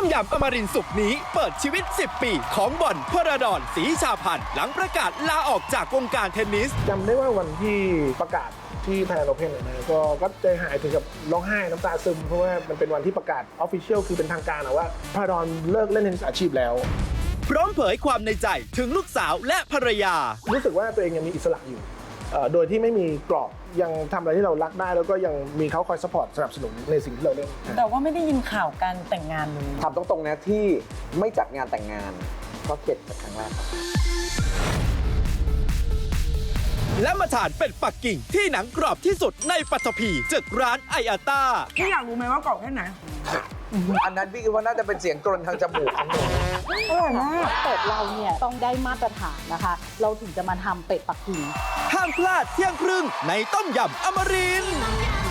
ยำอมรินทร์สุกร์นี้เปิดชีวิต 10 ปีของบอลพระดอนศรีชาพันธ์หลังประกาศลาออกจากวงการเทนนิสจำได้ว่าวันที่ประกาศที่ไทยโอเพ่นนะก็ใจหายถึงกับร้องไห้น้ำตาซึมเพราะว่ามันเป็นวันที่ประกาศออฟฟิเชียลคือเป็นทางการว่าพระดอนเลิกเล่นเทนนิสอาชีพแล้วพร้อมเผยความในใจถึงลูกสาวและภรรยารู้สึกว่าตัวเองยังมีอิสระอยู่โดยที่ไม่มีกรอบยังทำอะไรที่เรารักได้แล้วก็ยังมีเขาคอยซัพพอร์ตสนับสนุนในสิ่งที่เราเล่นแต่ว่าไม่ได้ยินข่าวการแต่งงานเลยถามตรงๆนะที่ไม่จัดงานแต่งงานเพราะเข็ดจากครั้งแรกครับและมาทานเป็ดปักกิ่งที่หนังกรอบที่สุดในปัตตภีจากร้านไออาต้าพี่อยากรู้ไหมว่ากรอบแค่ไหนอันนั้นพี่คิดว่าน่าจะเป็นเสียงกรนทางจมูกของหนูอร่อยมากเป็ดเราเนี่ยต้องได้มาตรฐานนะคะ เราถึงจะมาทำเป็ดปักกิ่งห้ามพลาดเที่ยงครึ่งในต้มยำอมรินทร์